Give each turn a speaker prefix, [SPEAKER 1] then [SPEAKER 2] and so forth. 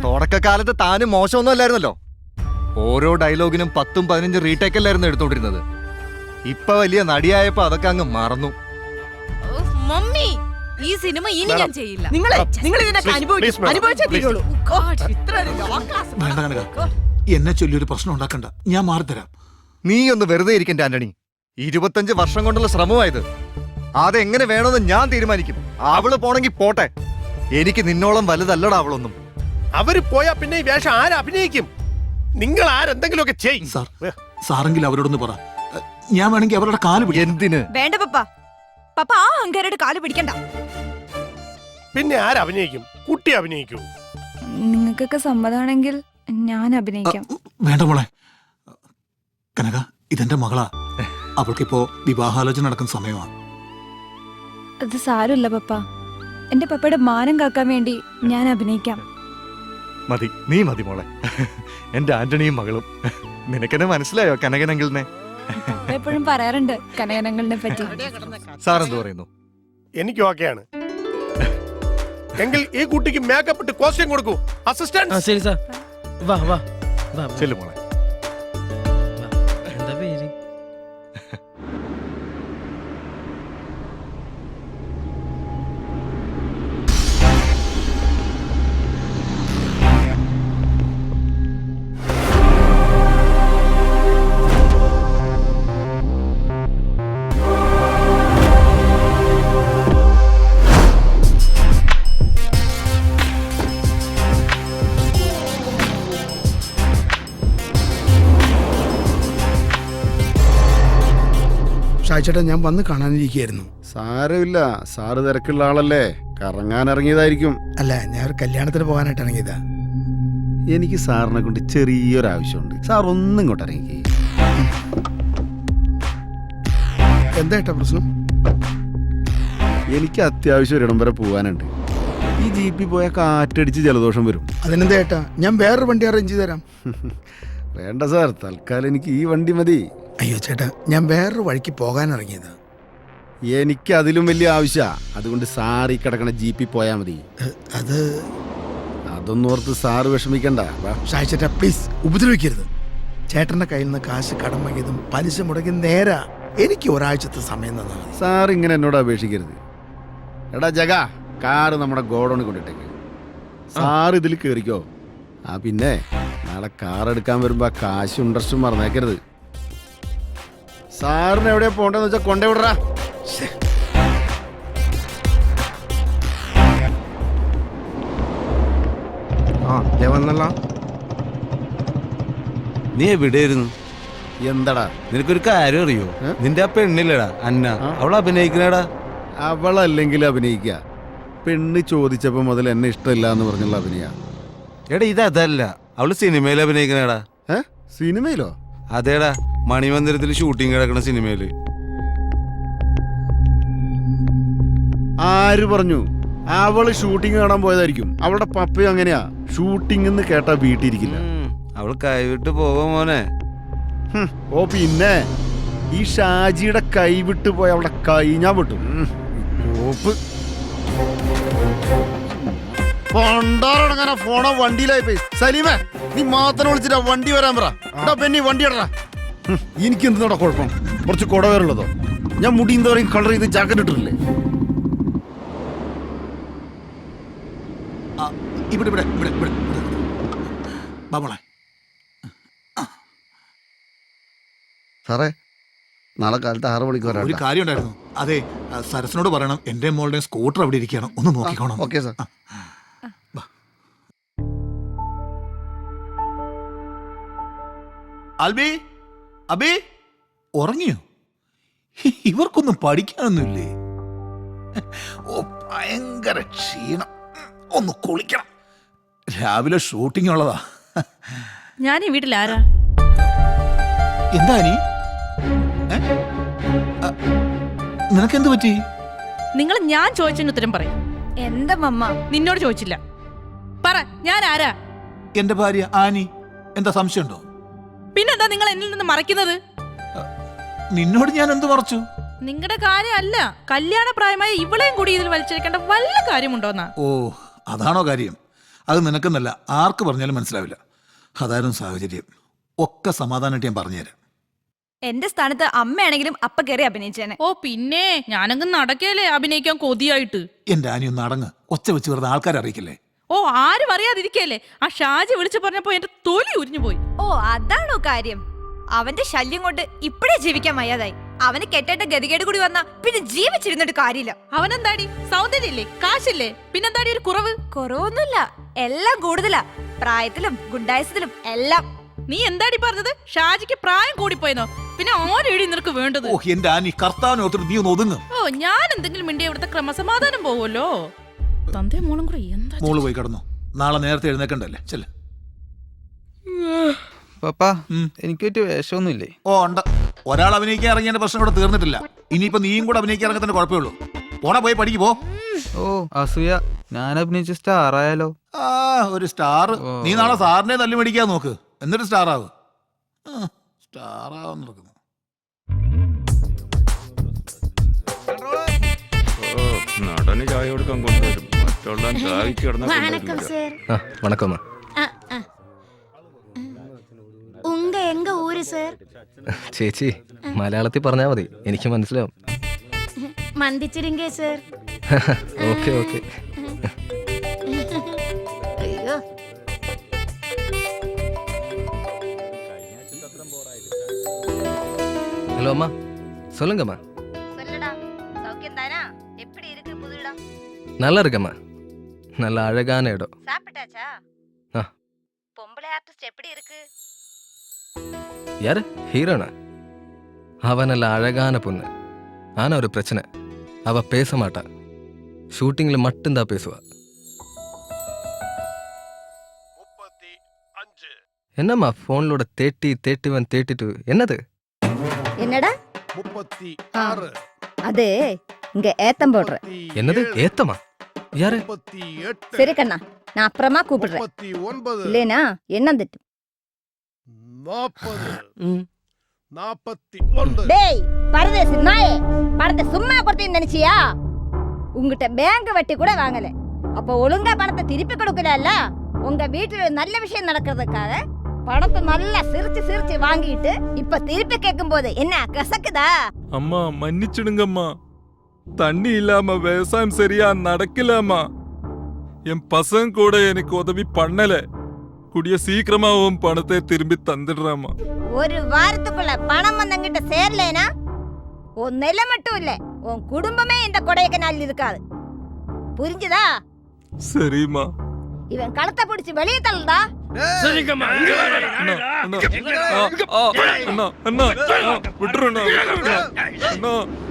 [SPEAKER 1] തുടക്കകാലത്ത് താനും മോശമൊന്നും അല്ലായിരുന്നല്ലോ. ഓരോ ഡയലോഗിനും 10-15 റീടേക്ക് അല്ലായിരുന്നു എടുത്തോണ്ടിരുന്നത്. ഇപ്പൊ വലിയ നടിയായപ്പോ അതൊക്കെ അങ്ങ് മറന്നു.
[SPEAKER 2] മമ്മി, ഈ സിനിമ ഇനി ഞാൻ ചെയ്യില്ല.
[SPEAKER 3] എന്നെ ചൊല്ലി ഒരു പ്രശ്നം ഉണ്ടാക്കണ്ട, ഞാൻ മാറിത്തരാം.
[SPEAKER 1] നീ ഒന്ന് വെറുതെ ഇരിക്കണ്ട ആന്റണി. 25 വർഷം കൊണ്ടുള്ള ശ്രമമായത്. അതെങ്ങനെ വേണമെന്ന് ഞാൻ തീരുമാനിക്കും. അവള് പോണെങ്കി പോട്ടെ. എനിക്ക് നിന്നോളം വലുതല്ലടാ അവളൊന്നും.
[SPEAKER 4] അവര് പോയാ പിന്നെ ഈ വേഷം ആരഭിനയിക്കും? നിങ്ങൾ ആരെന്തെങ്കിലുമൊക്കെ ചെയ്യും.
[SPEAKER 3] സാറെങ്കിലും അവരോടൊന്ന് പറ, ഞാൻ വേണമെങ്കിൽ അവരുടെ കാല് പിടിക്കാം.
[SPEAKER 1] എന്തിന്?
[SPEAKER 2] വേണ്ട പപ്പ, പപ്പ ആ അഹങ്കാരയുടെ കാല് പിടിക്കണ്ട.
[SPEAKER 4] പിന്നെ ആരഭിനയിക്കും? കുട്ടി അഭിനയിക്കൂ.
[SPEAKER 5] നിങ്ങൾക്കൊക്കെ സമ്മതമാണെങ്കിൽ ഞാൻ അഭിനയിക്കാം.
[SPEAKER 3] വേണ്ട മോളെ. കനക, ഇതെന്റെ മകളാ. അവൾക്കിപ്പോ വിവാഹാലോചന നടക്കുന്ന സമയമാണ്.
[SPEAKER 5] അത് സാരമില്ല പപ്പ, എന്റെ പപ്പയുടെ മാനം കാക്കാൻ വേണ്ടി ഞാൻ അഭിനയിക്കാം.
[SPEAKER 1] മതി, നീ മതി മോളെ. എന്റെ ആന്റണിയും മകളും. നിനക്കെന്നെ മനസ്സിലായോ കനകനങ്കിളിനെ?
[SPEAKER 5] പപ്പ എപ്പോഴും പറയാറുണ്ട് കനകനങ്ങളിനെ പറ്റി.
[SPEAKER 1] സാർ എന്ത് പറയുന്നു?
[SPEAKER 4] എനിക്ക് ഓക്കെയാണ്. എങ്കിൽ ഈ കുട്ടിക്ക് മേക്കപ്പ് ഇട്ട് കോസ്റ്റ്യൂം കൊടുക്കൂ. അസിസ്റ്റന്റ്.
[SPEAKER 6] ശരി സാർ. വാ വാ വാ.
[SPEAKER 1] ചെല്ലു മോളെ.
[SPEAKER 6] എന്താ പേര്?
[SPEAKER 7] ഷായിച്ചേട്ടാ, ഞാൻ വന്ന് കാണാനിരിക്കുകയായിരുന്നു.
[SPEAKER 8] സാരമില്ല, സാറ് തിരക്കുള്ള ആളല്ലേ, കറങ്ങാൻ ഇറങ്ങിയതായിരിക്കും.
[SPEAKER 7] അല്ല, ഞാൻ ഒരു കല്യാണത്തിന് പോകാനായിട്ട് ഇറങ്ങിയതാ.
[SPEAKER 8] എനിക്ക് സാറിനെ കൊണ്ട് ചെറിയൊരാവശ്യമുണ്ട്. സാർ ഒന്നും ഇങ്ങോട്ട് ഇറങ്ങി.
[SPEAKER 7] എന്താ ഏട്ടാ പ്രശ്നം?
[SPEAKER 8] എനിക്ക് അത്യാവശ്യം ഒരിടം വരെ പോകാനുണ്ട്. ഈ ജീപ്പിൽ പോയാൽ കാറ്റടിച്ച് ജലദോഷം വരും.
[SPEAKER 7] അതിനെന്താ ഏട്ടാ, ഞാൻ വേറൊരു വണ്ടി അറേഞ്ച് ചെയ്ത് തരാം.
[SPEAKER 8] വേണ്ട സാർ, തൽക്കാലം എനിക്ക് ഈ വണ്ടി മതി.
[SPEAKER 7] അയ്യോ ചേട്ടാ, ഞാൻ വേറൊരു വഴിക്ക് പോകാൻ ഇറങ്ങിയതാ.
[SPEAKER 8] എനിക്ക് അതിലും വലിയ ആവശ്യമാണ്. അതുകൊണ്ട് സാർ ഈ കിടക്കണ ജീപ്പിൽ പോയാൽ മതി. അതൊന്നും ഓർത്ത് സാറ് വിഷമിക്കണ്ട.
[SPEAKER 7] ഷായിച്ചേട്ടാ പ്ലീസ് ഉപദ്രവിക്കരുത്. ചേട്ടന്റെ കയ്യിൽ നിന്ന് കാശ് കടം വാങ്ങിയതും പലിശ മുടങ്ങി നേരാ. എനിക്ക് ഒരാഴ്ചത്തെ സമയം തന്നാ മതി.
[SPEAKER 8] സാർ ഇങ്ങനെ എന്നോട് അപേക്ഷിക്കരുത്. എടാ ജഗ, കാറ് നമ്മുടെ ഗോഡൌണിൽ കൊണ്ടിട്ടേക്ക്. സാർ ഇതിൽ കയറിക്കോ. പിന്നെ നാളെ കാർ എടുക്കാൻ വരുമ്പോ കാശും ഇൻട്രസ്റ്റും മറന്നേക്കരുത്. സാറിന് എവിടെയാ പോണ്ടെന്ന് വെച്ചാ കൊണ്ടേ വിടറാ.
[SPEAKER 9] നീ എവിടെയായിരുന്നു?
[SPEAKER 8] എന്താടാ
[SPEAKER 9] നിനക്കൊരു കാര്യം അറിയോ? നിന്റെ ആ പെണ്ണില്ലടാ അന്ന, അവൾ അഭിനയിക്കണടാ.
[SPEAKER 8] അവളല്ലെങ്കിൽ അഭിനയിക്കുക. പെണ്ണ് ചോദിച്ചപ്പോ മുതൽ എന്നെ ഇഷ്ടമില്ല എന്ന് പറഞ്ഞുള്ള അഭിനയ.
[SPEAKER 9] എടാ ഇതല്ല, അവള് സിനിമയിൽ അഭിനയിക്കണടാ.
[SPEAKER 8] സിനിമയിലോ?
[SPEAKER 9] അതേടാ, മണിമന്ദിരത്തിൽ ഷൂട്ടിംഗ് കിടക്കണ സിനിമയില്.
[SPEAKER 8] ആര് പറഞ്ഞു? അവള് ഷൂട്ടിംഗ് കാണാൻ പോയതായിരിക്കും. അവളുടെ പപ്പയും അങ്ങനെയാ, ഷൂട്ടിംഗ് എന്ന് കേട്ടാ വീട്ടിരിക്കില്ല.
[SPEAKER 9] അവള് കൈവിട്ട് പോവാ മോനെ.
[SPEAKER 8] ഓ പിന്നെ ഈ ഷാജിയുടെ കൈവിട്ട് പോയ അവളുടെ കൈ ഞാൻ വിട്ടു. പണ്ടാറടങ്ങനെ ഫോണോ വണ്ടിയിലായി പോയി. സലീമേ, നീ മാത്രം വിളിച്ചിട്ടാ വണ്ടി വരാൻ പറ. പെണ്ണി വണ്ടി ഇടറാ. എനിക്ക് എന്തിനോടാ കുഴപ്പം? കുറച്ച് കുടവേറുള്ളതോ? ഞാൻ മുടി എന്താ പറയും കളർ ചെയ്ത് ജാക്കറ്റ് ഇട്ടിട്ടില്ലേ?
[SPEAKER 3] ഇവിടെ ഇവിടെ ഇവിടെ ഇവിടെ ബാബോളെ.
[SPEAKER 8] സാറേ, നാളെ കാലത്ത് 6 മണിക്ക് വരാം.
[SPEAKER 3] ഒരു കാര്യം ഉണ്ടായിരുന്നു. അതെ, സരസിനോട് പറയണം എന്റെ മോളുടെ സ്കൂട്ടർ അവിടെ ഇരിക്കുകയാണ്, ഒന്ന് നോക്കിക്കോണം.
[SPEAKER 8] Okay sir.
[SPEAKER 3] അൽബി, അബി ഉറങ്ങിയോ? ഇവർക്കൊന്നും പഠിക്കാനൊന്നുമില്ലേ? ഓ, ഭയങ്കര ക്ഷീണം. ഒന്ന് കുളിക്കണം. രാവിലെ ഷൂട്ടിംഗ് ഉള്ളതാ.
[SPEAKER 2] ഞാൻ ഈ വീട്ടിൽ ആരാ?
[SPEAKER 3] എന്താ നീ? നിനക്കെന്ത് പറ്റി?
[SPEAKER 2] നിങ്ങൾ ഞാൻ ചോദിച്ചതിന് ഉത്തരം പറയും.
[SPEAKER 5] എന്താ മമ്മ?
[SPEAKER 2] നിന്നോട് ചോദിച്ചില്ല. പറ, ഞാൻ ആരാ?
[SPEAKER 3] എന്റെ ഭാര്യ ആനി. എന്താ സംശയമുണ്ടോ?
[SPEAKER 2] പിന്നെന്താ നിങ്ങൾ എന്നിൽ നിന്ന് മറയ്ക്കുന്നത്?
[SPEAKER 3] നിന്നോട് ഞാൻ എന്ത് മറച്ചു?
[SPEAKER 2] നിങ്ങളുടെ കാര്യമല്ല, കല്യാണ പ്രായമായ ഇവളെയും കൂടി ഇതിൽ വലിച്ചെടുക്കേണ്ട വല്ല കാര്യമുണ്ടോന്നാ?
[SPEAKER 3] ഓ, അതാണോ കാര്യം? അത് നിനക്കെന്നല്ല ആർക്ക് പറഞ്ഞാലും മനസ്സിലാവില്ല. അതായിരുന്നു സാഹചര്യം. ഒക്കെ സമാധാനമായിട്ട് ഞാൻ പറഞ്ഞുതരാം.
[SPEAKER 5] എന്റെ സ്ഥാനത്ത് അമ്മയാണെങ്കിലും അപ്പ കയറി അഭിനയിച്ചേനെ.
[SPEAKER 2] ഓ പിന്നെ ഞാനങ്ങ് നടക്കല്ലേ അഭിനയിക്കാൻ കൊതിയായിട്ട്.
[SPEAKER 3] എന്റെ ആനി ഒന്ന് അടങ്ങ്. ഒച്ച വെച്ച് വെറുതെ ആൾക്കാരെ അറിയിക്കില്ലേ?
[SPEAKER 2] ഓ ആരും അറിയാതിരിക്കല്ലേ. ആ ഷാജി വിളിച്ചു പറഞ്ഞപ്പോ എന്റെ തൊലി ഉരിഞ്ഞു പോയി.
[SPEAKER 5] ഓ അതാണോ കാര്യം? അവന്റെ ശല്യം കൊണ്ട് ഇപ്പഴേ ജീവിക്കാൻ വയ്യാതായി. അവന് കെട്ടേണ്ട ഗതികേട് കൂടി വന്നാ പിന്നെ ജീവിച്ചിരുന്നിട്ട് കാര്യമില്ല.
[SPEAKER 2] അവനെന്താടി സൗന്ദര്യല്ലേ, കാശില്ലേ, പിന്നെന്താടി ഒരു കുറവ്?
[SPEAKER 5] കുറവൊന്നുമില്ല, എല്ലാം കൂടുതലാ. പ്രായത്തിലും ഗുണ്ടായസത്തിലും എല്ലാം.
[SPEAKER 2] നീ എന്താടി പറഞ്ഞത്? ഷാജിക്ക് പ്രായം കൂടിപ്പോയെന്നോ? പിന്നെ ആരെടി നിനക്ക് വേണ്ടത്?
[SPEAKER 3] ഓ എന്റെ ആനി, കർത്താവിനെ ഓർത്തിട്ട് നീ ഒന്ന് ഒതുങ്ങും.
[SPEAKER 2] ഓ ഞാൻ എന്തെങ്കിലും മിണ്ടിയ ഇവിടുത്തെ ക്രമസമാധാനം പോവുമല്ലോ. തന്തേ മോളും കൂടെ എന്താ?
[SPEAKER 3] മോള് പോയി കിടന്നു. നാളെ നേരത്തെ എഴുന്നേക്കണ്ടല്ലേ? ചെല്ല്.
[SPEAKER 9] പപ്പാ എനിക്ക് പറ്റിയ വേഷമൊന്നുമില്ലേ?
[SPEAKER 3] ഓ ഉണ്ട്. ഒരാൾ അഭിനയിക്കാൻ ഇറങ്ങിയ പ്രശ്നം ഇവിടെ തീർന്നിട്ടില്ല. ഇനിയിപ്പോ നീയും കൂടെ അഭിനയിക്കാൻ ഇറങ്ങത്തിന്റെ കുഴപ്പമുള്ളൂ. പോണ പോയി പഠിക്ക് പോ.
[SPEAKER 9] ഓ അസൂയ, ഞാൻ അഭിനയിച്ച സ്റ്റാർ ആയാലോ?
[SPEAKER 3] ആ ഒരു സ്റ്റാർ. നീ നാളെ സാറിനെ തല്ലി മേടിക്കാൻ നോക്ക്, എന്നിട്ട് സ്റ്റാർ ആവും. സ്റ്റാർ ആവാൻ നടക്കുന്നു.
[SPEAKER 10] നടന് ചായ കൊടുക്കാൻ കൊണ്ടുവരും, മറ്റുള്ള ചായക്ക് കിടന്ന
[SPEAKER 1] വണക്കമ്മ.
[SPEAKER 11] ഉങ്ക എങ്ക ഊര് സർ?
[SPEAKER 1] ചേച്ചി മലയാളത്തിൽ പറഞ്ഞാ മതി, എനിക്ക് മനസ്സിലാവും.
[SPEAKER 11] മന്ദിച്ചിരിങ്കേ സർ?
[SPEAKER 1] Okay okay.
[SPEAKER 11] അയ്യോ
[SPEAKER 1] ஹலோ அம்மா, சொல்லுங்கம்மா.
[SPEAKER 5] சொல்லடா, சௌக்கியம் தானா? எப்படி இருக்கு புது இடம்?
[SPEAKER 1] நல்லா இருக்கம்மா, நல்ல அழகான இடம்.
[SPEAKER 5] சாப்பிட்டாச்சா?
[SPEAKER 1] ஆ.
[SPEAKER 5] பொம்பளை ஆர்டிஸ்ட் எப்படி இருக்கு?
[SPEAKER 1] யாரு? ஹீரோனா? அவ நல்ல அழகான பொண்ணு. ஆனா ஒரு பிரச்சனை, அவ பேச மாட்டா. ஷூட்டிங்ல மட்டும்தான் பேசுவா.
[SPEAKER 4] 35.
[SPEAKER 1] என்னம்மா போன்லோட 31 32 என்னது?
[SPEAKER 11] என்னடா
[SPEAKER 4] 36.
[SPEAKER 11] அது இங்க ஏத்தம் போடுற.
[SPEAKER 1] என்னது ஏத்தமா? யாரு?
[SPEAKER 4] 38.
[SPEAKER 11] சரி கண்ணா, நான் அப்புறமா கூப்பிடுறேன்.
[SPEAKER 4] 39.
[SPEAKER 11] இல்லேனா என்ன திட்டு?
[SPEAKER 4] 40. 41.
[SPEAKER 11] டேய் பரதேசி நாயே, பணத்தை சும்மா கொடுத்தேன்னு நினைச்சியா? உங்ககிட்ட பேங்க் வட்டி கூட வாங்கல, அப்ப ஒழுங்கா பணத்தை திருப்பி கொடுக்கல. உங்க வீட்டுல நல்ல விஷயம் நடக்கிறதுக்காக பணத்தை நல்லா சிரிச்சு சிரிச்சு வாங்கிட்டு இப்ப திருப்பி கேட்கும் போது என்ன கசக்குதா?
[SPEAKER 10] அம்மா மன்னிச்சிடுங்கம்மா, தண்ணி இல்லாம விவசாயம் சரியா நடக்கலம்மா. என் பசங்க கூட எனக்கு உதவி பண்ணல. கூடிய சீக்கிரமா உன் பணத்தை திரும்பி தந்துடுறாமா.
[SPEAKER 11] ஒரு வாரத்துக்குள்ள பணம் வந்தங்கிட்ட சேரலேனா உன் நிலை மட்டும் இல்ல, உன் குடும்பமே இந்த கொடையக்கனால் இருக்காது. புரிஞ்சுதா?
[SPEAKER 10] சரிம்மா.
[SPEAKER 11] இவன் களத்தை பிடிச்சு வெளியே தள்ளுடா.
[SPEAKER 6] சரிங்கம்மா.
[SPEAKER 10] அண்ணா விட்டுருண்ணா.